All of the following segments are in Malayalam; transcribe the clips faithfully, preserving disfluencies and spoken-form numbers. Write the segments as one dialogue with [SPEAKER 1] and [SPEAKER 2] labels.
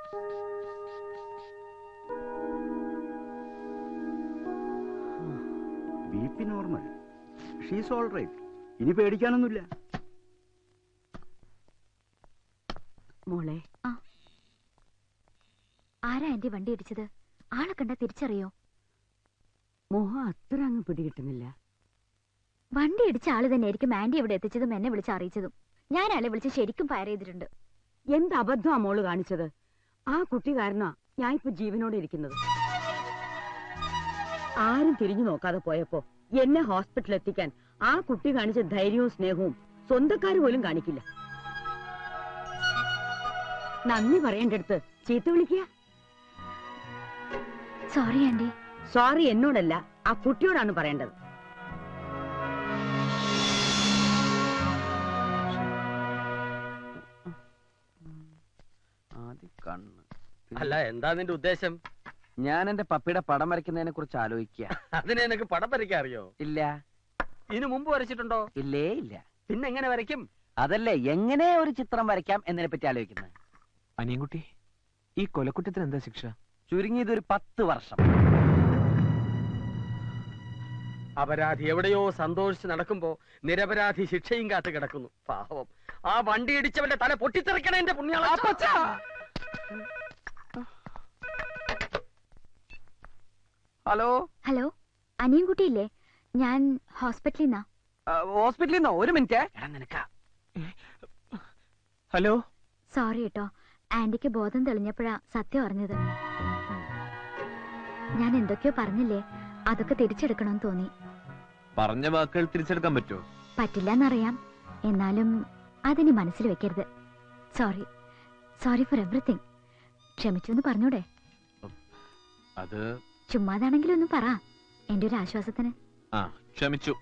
[SPEAKER 1] B P normal. She's all right. ഇനി പേടിക്കാനൊന്നുമില്ല.
[SPEAKER 2] മോളെ, ആരാ എന്റെ വണ്ടി ഇടിച്ചത്? ആളെ കണ്ടാ തിരിച്ചറിയോ?
[SPEAKER 3] മോഹം അത്ര അങ്ങ് പിടികിട്ടുന്നില്ല.
[SPEAKER 2] വണ്ടി ഇടിച്ച ആള് തന്നെയായിരിക്കും ആന്റി ഇവിടെ എത്തിച്ചതും എന്നെ വിളിച്ച് അറിയിച്ചതും. ഞാൻ ആളെ വിളിച്ച് ശരിക്കും ഫയർ ചെയ്തിട്ടുണ്ട്.
[SPEAKER 3] എന്ത് അബദ്ധമാ മോള് കാണിച്ചത്? ആ കുട്ടി കാരണാ ഞാൻ ഇപ്പൊ ജീവനോടെ ഇരിക്കുന്നത്. ആരും തിരിഞ്ഞു നോക്കാതെ പോയപ്പോ എന്നെ ഹോസ്പിറ്റലിൽ എത്തിക്കാൻ ആ കുട്ടി കാണിച്ച ധൈര്യവും സ്നേഹവും സ്വന്തക്കാര് പോലും കാണിക്കില്ല. നന്ദി പറയേണ്ടടുത്ത് ചീത്ത വിളിക്കുക.
[SPEAKER 2] Sorry aunty.
[SPEAKER 3] സോറി എന്നോടല്ല, ആ കുട്ടിയോടാണ് പറയേണ്ടത്.
[SPEAKER 4] അല്ല, എന്താ നിന്റെ ഉദ്ദേശം?
[SPEAKER 5] ഞാൻ എന്റെ പപ്പിയുടെ പടം വരയ്ക്കുന്നതിനെ കുറിച്ച് ആലോചിക്കുക.
[SPEAKER 4] അതിനെ എനിക്ക് പടം വരയ്ക്കാൻ അറിയോ?
[SPEAKER 5] ഇല്ല.
[SPEAKER 4] ഇതിനു മുമ്പ് വരച്ചിട്ടുണ്ടോ?
[SPEAKER 5] ഇല്ലേ ഇല്ല.
[SPEAKER 4] പിന്നെ എങ്ങനെ വരയ്ക്കും?
[SPEAKER 5] അതല്ലേ എങ്ങനെ ഒരു ചിത്രം വരയ്ക്കാം എന്നതിനെ പറ്റി ആലോചിക്കുന്നത്.
[SPEAKER 6] അനിയൻകുട്ടി, ഈ കൊലക്കുറ്റത്തിന് എന്താ ശിക്ഷ?
[SPEAKER 5] ചുരുങ്ങിയത് ഒരു പത്ത് വർഷം.
[SPEAKER 4] അപരാധി എവിടെയോ സന്തോഷിച്ച് നടക്കുമ്പോ നിരപരാധി ശിക്ഷയും കാത്ത് കിടക്കുന്നു. പാവം, ആ വണ്ടി ഇടിച്ചവന്റെ തല പൊട്ടിത്തെറിക്കണ എന്റെ പുണ്യാള.
[SPEAKER 5] Hello
[SPEAKER 2] hello, അനിയൻകുട്ടിയില്ലേ? ഞാൻ ഹോസ്പിറ്റലിൽ നിന്നാ.
[SPEAKER 5] ഹോസ്പിറ്റലിൽ നിന്നോ? ഒരു മിനിറ്റ്. നിനക്കാ.
[SPEAKER 6] ഹലോ.
[SPEAKER 2] സോറി കേട്ടോ, ആന്റിക്ക് ബോധം തെളിഞ്ഞപ്പോഴാ സത്യം അറിഞ്ഞത്. ഞാൻ എന്തൊക്കെയോ പറഞ്ഞില്ലേ, അതൊക്കെ തിരിച്ചെടുക്കണമെന്ന് തോന്നി.
[SPEAKER 6] പറഞ്ഞ വാക്കുകൾ തിരിച്ചെടുക്കാൻ പറ്റുമോ?
[SPEAKER 2] പറ്റില്ലെന്നറിയാം, എന്നാലും അതിനി മനസ്സിൽ വെക്കരുത്. Sorry sorry for everything. ക്ഷമിച്ചു എന്ന് പറഞ്ഞൂടെ?
[SPEAKER 6] അത്
[SPEAKER 2] ചുമ്മാതാണെങ്കിലും ഒന്ന് പറ, എന്റെ ഒരു ആശ്വാസത്തിന്.
[SPEAKER 6] ആ, ക്ഷമിച്ചു.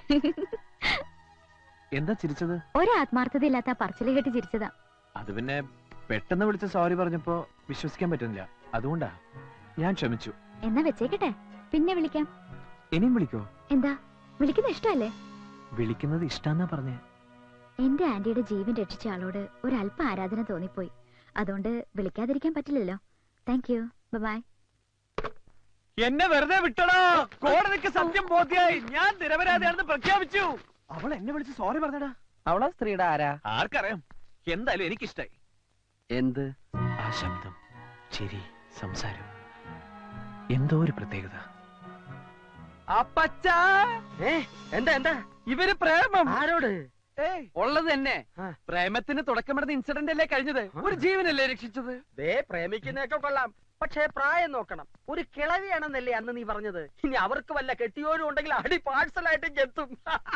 [SPEAKER 6] എന്താ ചിരിച്ചത്?
[SPEAKER 2] ഒരു ആത്മാർത്ഥതയില്ലാത്ത പറച്ചില് കേട്ട് ചിരിച്ചതാ.
[SPEAKER 6] അത് പിന്നെ പെട്ടെന്ന് വിളിച്ച സോറി പറഞ്ഞപ്പോ വിശ്വസിക്കാൻ പറ്റുന്നില്ല, അതുകൊണ്ടാ. ഞാൻ ക്ഷമിച്ചു.
[SPEAKER 2] എന്നാ വെച്ചേക്കട്ടെ, പിന്നെ വിളിക്കാം.
[SPEAKER 6] ഇനിയും വിളിക്കോ?
[SPEAKER 2] എന്താ, വിളിക്കുന്നത് ഇഷ്ടമല്ലേ?
[SPEAKER 6] വിളിക്കുന്നത് ഇഷ്ടാന്നാ പറഞ്ഞേ.
[SPEAKER 2] എന്റെ ആന്റിയുടെ ജീവൻ രക്ഷിച്ച ആളോട് ഒരല്പ ആരാധന തോന്നിപ്പോയി, അതുകൊണ്ട് വിളിക്കാതിരിക്കാൻ പറ്റില്ലല്ലോ. Thank you, bye.
[SPEAKER 6] എന്നെ വെറുതെ വിട്ടടാ. കോടതിക്ക് സത്യം ബോധ്യായി. ഞാൻ നിരപരാധിയാണെന്ന് പ്രഖ്യാപിച്ചു. അവൾ എന്നെ വിളിച്ച് സോറി പറഞ്ഞടാ.
[SPEAKER 5] അവളെ സ്ത്രീയുടെ ആരാ?
[SPEAKER 6] ആർക്കറിയാം. എന്തായാലും എനിക്കിഷ്ടായി.
[SPEAKER 5] എന്ത്?
[SPEAKER 6] ആ ശബ്ദം, ചിരി, സംസാരം, എന്തോ ഒരു പ്രത്യേകത.
[SPEAKER 5] അപ്പച്ചാ,
[SPEAKER 4] എന്താ എന്താ
[SPEAKER 5] ഇവര് പ്രേമം.
[SPEAKER 4] ആരോട്?
[SPEAKER 5] ഉള്ളത് തന്നെ. പ്രേമത്തിന് തുടക്കമിടുന്ന ഇൻസിഡന്റ് അല്ലേ കഴിഞ്ഞത്? ഒരു ജീവനല്ലേ രക്ഷിച്ചത്?
[SPEAKER 4] ദേ, പ്രേമിക്കുന്നതൊക്കെ കൊള്ളാം, പക്ഷേ പ്രായം നോക്കണം. ഒരു കിളവിയാണെന്നല്ലേ അന്ന് നീ പറഞ്ഞത്? ഇനി അവർക്ക് വല്ല കെട്ടിയോരും ഉണ്ടെങ്കിൽ അടി പാഴ്സലായിട്ട് എത്തും.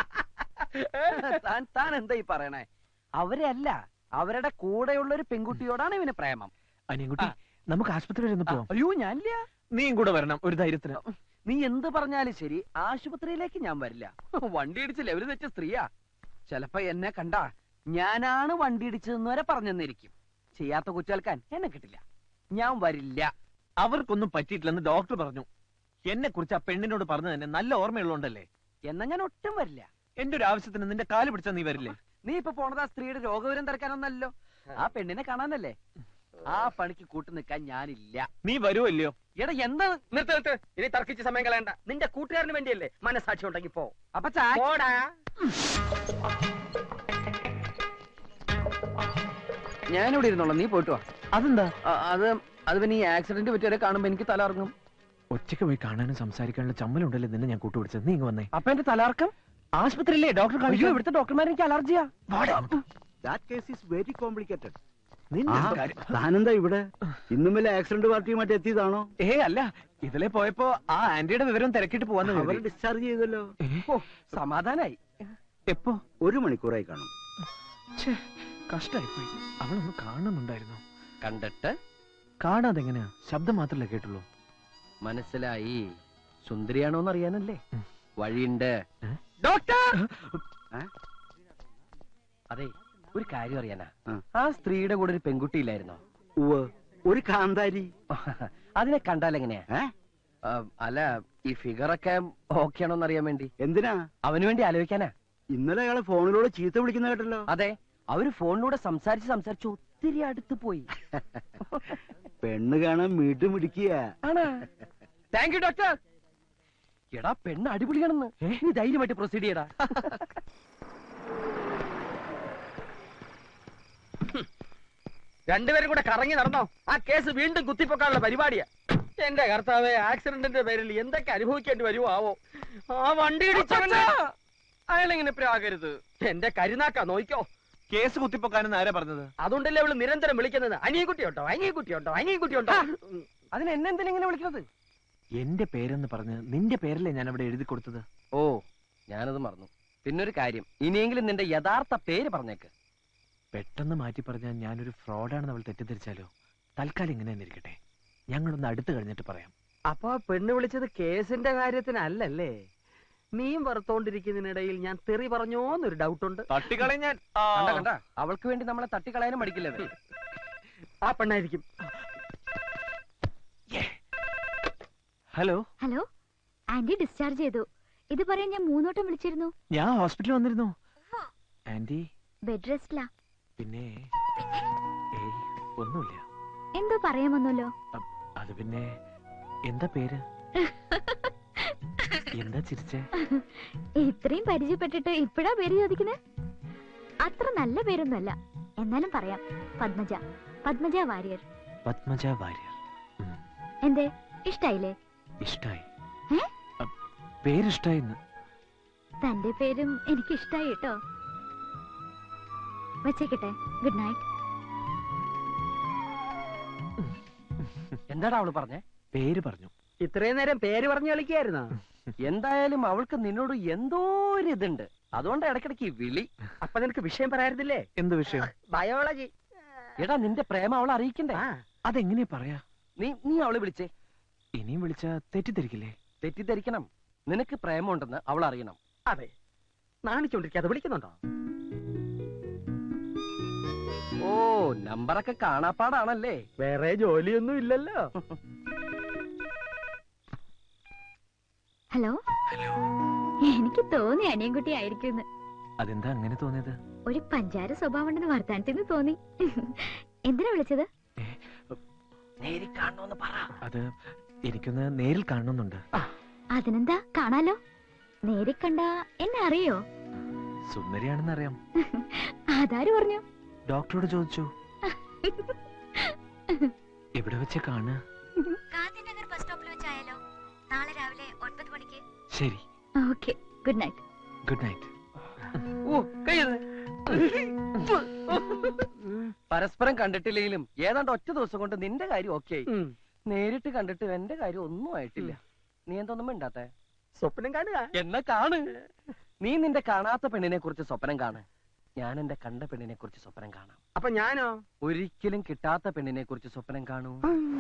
[SPEAKER 5] താൻ താൻ എന്താ ഈ പറയണേ? അവരെ അല്ല, അവരുടെ കൂടെയുള്ള ഒരു പെൺകുട്ടിയോടാണ് ഇവന് പ്രേമം.
[SPEAKER 6] അനിയൻകുട്ടി, നമുക്ക് ആശുപത്രി വരെ ഒന്ന് പോവാം.
[SPEAKER 5] അയ്യോ, ഞാനില്ല.
[SPEAKER 6] നീയും കൂടെ വരണം, ഒരു ധൈര്യത്തിന്.
[SPEAKER 5] നീ എന്ത് പറഞ്ഞാലും ശരി, ആശുപത്രിയിലേക്ക് ഞാൻ വരില്ല. വണ്ടി ഇടിച്ചില്ല, അവര് തെറ്റ സ്ത്രീയാ. ചിലപ്പോ എന്നെ കണ്ടാ ഞാനാണ് വണ്ടി ഇടിച്ചതെന്ന് വരെ പറഞ്ഞെന്നിരിക്കും. ചെയ്യാത്ത കുറ്റേൽക്കാൻ എന്നെ കിട്ടില്ല. ഞാൻ വരില്ല.
[SPEAKER 6] അവർക്കൊന്നും പറ്റിയിട്ടില്ലെന്ന് ഡോക്ടർ പറഞ്ഞു. എന്നെ കുറിച്ച് ആ പെണ്ണിനോട് പറഞ്ഞു തന്നെ നല്ല ഓർമ്മയുള്ളതുകൊണ്ടല്ലേ.
[SPEAKER 5] എന്നാ ഞാൻ ഒട്ടും വരില്ല.
[SPEAKER 6] എന്റെ ഒരു ആവശ്യത്തിന് നിന്റെ കാല് പിടിച്ചാ നീ വരില്ലേ?
[SPEAKER 5] നീ ഇപ്പൊ പോണത് ആ സ്ത്രീയുടെ രോഗവിവരം തിരക്കാനൊന്നല്ലോ, ആ പെണ്ണിനെ കാണാനല്ലേ. ആ പണിക്ക് കൂട്ടു നിൽക്കാൻ ഞാനില്ല.
[SPEAKER 6] നീ വരുമല്ലയോ?
[SPEAKER 5] എടാ, എന്താ?
[SPEAKER 4] നിർത്ത് നിർത്ത്, ഇനി തർക്കിച്ച് സമയം കളയണ്ട. നിന്റെ കൂട്ടുകാരന് വേണ്ടിയല്ലേ, മനസാക്ഷി ഉണ്ടെങ്കിൽ പോ.
[SPEAKER 5] അപ്പൊ ഞാനിവിടെ ഇരുന്നോളാം, നീ പോയിട്ട് വാ.
[SPEAKER 6] അതെന്താ?
[SPEAKER 5] അത് അത് പിന്നെ ഈ ആക്സിഡന്റ് പറ്റിയവരെ കാണുമ്പോ എനിക്ക് തലർങ്ങും.
[SPEAKER 6] ഒറ്റയ്ക്ക് പോയി കാണാനും സംസാരിക്കാനുള്ള ചമ്മലുണ്ടല്ലേ നിന്നെ ഞാൻ കൂട്ടുപിടിച്ചത്. നീ ഇങ്ങ് വന്നേ.
[SPEAKER 5] അപ്പൊ എന്റെ തലർക്കം
[SPEAKER 6] ആശുപത്രിയില്ലേ ഡോക്ടർ കാണിച്ചു?
[SPEAKER 5] ഇവിടുത്തെ ഡോക്ടർമാർ എനിക്ക് അലർജിയാ.
[SPEAKER 1] That case is very complicated.
[SPEAKER 6] താനെന്താ
[SPEAKER 1] ഇവിടെ? ഇന്നും വല്ല ആക്സിഡന്റ് പാർട്ടിയുമായിട്ട് എത്തിയതാണോ?
[SPEAKER 6] ഏ അല്ല, ഇതിലെ പോയപ്പോ ആ ആന്റിയുടെ വിവരം തിരക്കിട്ട് പോവാന്ന്.
[SPEAKER 1] അവരെ ഡിസ്ചാർജ് ചെയ്തല്ലോ.
[SPEAKER 5] സമാധാനായി.
[SPEAKER 6] എപ്പോ?
[SPEAKER 1] ഒരു മണിക്കൂറായി കാണും.
[SPEAKER 6] കഷ്ടായിപ്പോയി. അവളൊന്ന് കാണുന്നുണ്ടായിരുന്നു.
[SPEAKER 5] കണ്ടിട്ട്?
[SPEAKER 6] കാണാതെ എങ്ങനെയാ? ശബ്ദം മാത്രല്ലേ കേട്ടുള്ളൂ.
[SPEAKER 5] മനസ്സിലായി. സുന്ദരിയാണോന്ന് അറിയാനല്ലേ. വഴിയുണ്ട്.
[SPEAKER 6] ഡോക്ടർ!
[SPEAKER 5] അതെ, ഒരു കാര്യം അറിയാനാ. ആ സ്ത്രീയുടെ കൂടെ ഒരു പെൺകുട്ടിയില്ലായിരുന്നോ?
[SPEAKER 1] ഒരു കാന്താരി.
[SPEAKER 5] അതിനെ കണ്ടാൽ എങ്ങനെയാ? അല്ല, ഈ ഫിഗറൊക്കെ ഓക്കെ ആണോന്ന് അറിയാൻ വേണ്ടി.
[SPEAKER 1] എന്തിനാ?
[SPEAKER 5] അവന് വേണ്ടി ആലോചിക്കാനാ.
[SPEAKER 1] ഇന്നലെ അയാളെ ഫോണിലൂടെ ചീത്ത വിളിക്കുന്ന കേട്ടല്ലോ.
[SPEAKER 5] അതെ, അവര് ഫോണിലൂടെ സംസാരിച്ച് സംസാരിച്ച് ഒത്തിരി അടുത്ത് പോയി.
[SPEAKER 1] പെണ്ണ് കാണാൻ വീണ്ടും പിടിക്കുക.
[SPEAKER 5] ആണ്. Thank you doctor. എടാ പെണ്ണ് അടിപൊളിയാണെന്ന്. നീ ധൈര്യമായിട്ട് പ്രൊസീഡ് ചെയ്യടാ.
[SPEAKER 4] രണ്ടുപേരും കൂടെ കറങ്ങി നടന്നോ? ആ കേസ് വീണ്ടും കുത്തിപ്പൊക്കാനുള്ള പരിപാടിയാ. എന്റെ കർത്താവേ, ആക്സിഡന്റിന്റെ പേരിൽ എന്തൊക്കെ അനുഭവിക്കേണ്ടി വരുമോ ആവോ. ആ വണ്ടി ഇടിച്ചവന്
[SPEAKER 5] അയാളെങ്ങനെ പ്രാകരുത്.
[SPEAKER 4] എന്റെ കരുനാക്കാ നോയിക്കോ.
[SPEAKER 6] കേസ് കുത്തിപ്പൊക്കാനെന്ന് ആരാ പറഞ്ഞത്?
[SPEAKER 4] അതുകൊണ്ടല്ലേ അവള് നിരന്തരം വിളിക്കുന്നത് അനിയൻകുട്ടിയുണ്ടോ അനിയൻകുട്ടിയുണ്ടോ അനിയൻകുട്ടിയുണ്ടോ.
[SPEAKER 5] അതിന് എന്നെ എന്തിനാ ഇങ്ങനെ വിളിക്കുന്നത്?
[SPEAKER 6] എന്റെ പേരെന്ന് പറഞ്ഞ് നിന്റെ പേരല്ലേ ഞാൻ അവിടെ എഴുതി കൊടുത്തത്.
[SPEAKER 5] ഓ, ഞാനത് മറന്നു. പിന്നൊരു കാര്യം, ഇനിയെങ്കിലും നിന്റെ യഥാർത്ഥ പേര് പറഞ്ഞേക്ക്.
[SPEAKER 6] പെട്ടെന്ന് മാറ്റി പറഞ്ഞാൽ ഞാനൊരു ഫ്രോഡാണെന്ന് അവൾ തെറ്റിദ്ധരിച്ചാലോ? തൽക്കാലം ഇങ്ങനെ തന്നെ ഇരിക്കട്ടെ. ഞങ്ങളൊന്ന് അടുത്ത് കഴിഞ്ഞിട്ട് പറയാം.
[SPEAKER 4] അപ്പൊ പെണ്ണ് വിളിച്ചത് കേസിന്റെ കാര്യത്തിനല്ലല്ലേ? നീയും വറുത്തോണ്ടിരിക്കുന്നതിനിടയിൽ ഞാൻ തെറി പറഞ്ഞോന്നൊരു ഡൗട്ടുണ്ട്.
[SPEAKER 6] തട്ടിക്കളയും ഞാൻ.
[SPEAKER 5] കണ്ട കണ്ട, അവൾക്ക് വേണ്ടി നമ്മളെ തട്ടിക്കളയാനും മടിക്കില്ലത്.
[SPEAKER 4] ആ പെണ്ണായിരിക്കും.
[SPEAKER 6] ഹലോ
[SPEAKER 2] ഹലോ, ആന്റി ഡിസ്ചാർജ് ചെയ്തു. ഇത് പറയാൻ ഞാൻ മൂന്നോട്ടം വിളിച്ചിരുന്നു.
[SPEAKER 6] ഞാൻ ഹോസ്പിറ്റലിൽ വന്നിരുന്നു. ആന്റി
[SPEAKER 2] ബെഡ് റെസ്റ്റിലാ.
[SPEAKER 6] പിന്നെ ഏയ് ഒന്നുമില്ല.
[SPEAKER 2] എന്തോ പറയാമെന്നല്ലോ.
[SPEAKER 6] അത് പിന്നെ എന്താ പേര്? എന്താ ചിരിച്ചേ?
[SPEAKER 2] ഇത്രയും പരിചയപ്പെട്ടിട്ട് ഇപ്പഴാ പേര് ചോദിക്കുന്നത്? അത്ര നല്ല പേരൊന്നുമല്ല, എന്നാലും പറയാം. പത്മജ, പത്മജ വാര്യർ.
[SPEAKER 6] പത്മജ വാര്യർ.
[SPEAKER 2] എന്തേ, ഇഷ്ടായില്ലേ?
[SPEAKER 6] ഇഷ്ടായി.
[SPEAKER 2] ഏ?
[SPEAKER 6] പേരിഷ്ടായിന്ന്.
[SPEAKER 2] തന്റെ പേരും എനിക്ക് ഇഷ്ടായി കേട്ടോ. വെച്ചേക്കട്ടെ. Good night.
[SPEAKER 5] എന്താടാ അവള് പറഞ്ഞേ?
[SPEAKER 6] പേര് പറഞ്ഞു.
[SPEAKER 4] ഇത്രയും നേരം പേര് പറഞ്ഞു കളിക്കായിരുന്നോ?
[SPEAKER 5] എന്തായാലും അവൾക്ക് നിന്നോട് എന്തോ ഒരു ഇതുണ്ട്. അതുകൊണ്ട് ഇടയ്ക്കിടയ്ക്ക് ഈ വിളി.
[SPEAKER 4] അപ്പൊ നിനക്ക് വിഷയം പറയായിരുന്നില്ലേ?
[SPEAKER 6] എന്ത് വിഷയം?
[SPEAKER 4] ബയോളജി.
[SPEAKER 5] എടാ, നിന്റെ പ്രേമം അവളെ അറിയിക്കണ്ടേ?
[SPEAKER 6] അതെങ്ങനെയാ പറയാ?
[SPEAKER 5] നീ നീ അവളെ വിളിച്ചേ.
[SPEAKER 6] ഇനിയും വിളിച്ച തെറ്റിദ്ധരിക്കില്ലേ?
[SPEAKER 5] തെറ്റിദ്ധരിക്കണം. നിനക്ക് പ്രേമമുണ്ടെന്ന് അവൾ അറിയണം.
[SPEAKER 4] അതെ, നാണിച്ചോണ്ടിരിക്കാതെ വിളിക്കുന്നുണ്ടോ?
[SPEAKER 5] ഓ, നമ്പറൊക്കെ കാണാപ്പാടാണല്ലേ.
[SPEAKER 4] വേറെ ജോലിയൊന്നും ഇല്ലല്ലോ.
[SPEAKER 2] ഹലോ. എനിക്ക് തോന്നി അനിയൻകുട്ടി ആയിരിക്കും.
[SPEAKER 6] അതെന്താ അങ്ങനെ തോന്നിയത്?
[SPEAKER 2] ഒരു പഞ്ചാര സ്വഭാവം ഉണ്ടെന്ന് വർത്താനത്തിന് തോന്നി. എന്തിനാ വിളിച്ചത്?
[SPEAKER 5] നേരി കാണണമെന്ന് പറ.
[SPEAKER 6] അത് എനിക്കൊന്ന് നേരിൽ കാണണമെന്നുണ്ട്.
[SPEAKER 2] അതിനെന്താ, കാണാലോ. നേരി കണ്ട എന്നെ അറിയോ?
[SPEAKER 6] സുന്ദരിയാണെന്ന് അറിയാം.
[SPEAKER 2] അതാര് പറഞ്ഞു?
[SPEAKER 6] ഡോക്ടറോട് ചോദിച്ചു. എവിടെ വെച്ച് കാണുക?
[SPEAKER 2] ഗാന്ധിനഗർ ബസ് സ്റ്റോപ്പിൽ വെച്ചായാലോ? നാളെ രാവിലെ ഒൻപത് മണിക്ക്.
[SPEAKER 6] ശരി.
[SPEAKER 2] Okay, good night.
[SPEAKER 6] Good night.
[SPEAKER 5] ഓ, കയ്യത്. പരസ്പരം കണ്ടിട്ടില്ലെങ്കിലും ഏതാണ്ട് ഒറ്റ ദിവസം കൊണ്ട് നിന്റെ കാര്യം ഓക്കെ ആയി. നേരിട്ട് കണ്ടിട്ട് എന്റെ കാര്യം ഒന്നും ആയിട്ടില്ല. നീ എന്തൊന്നും മിണ്ടാത്തെ?
[SPEAKER 4] സ്വപ്നം കാണുക.
[SPEAKER 5] എന്നാ കാണ്. നീ നിന്റെ കാണാത്ത പെണ്ണിനെ കുറിച്ച് സ്വപ്നം കാണ്. ഞാൻ എന്റെ കണ്ട പെണ്ണിനെ കുറിച്ച് സ്വപ്നം കാണാം.
[SPEAKER 4] അപ്പൊ ഞാനോ?
[SPEAKER 5] ഒരിക്കലും കിട്ടാത്ത പെണ്ണിനെ കുറിച്ച് സ്വപ്നം കാണൂ.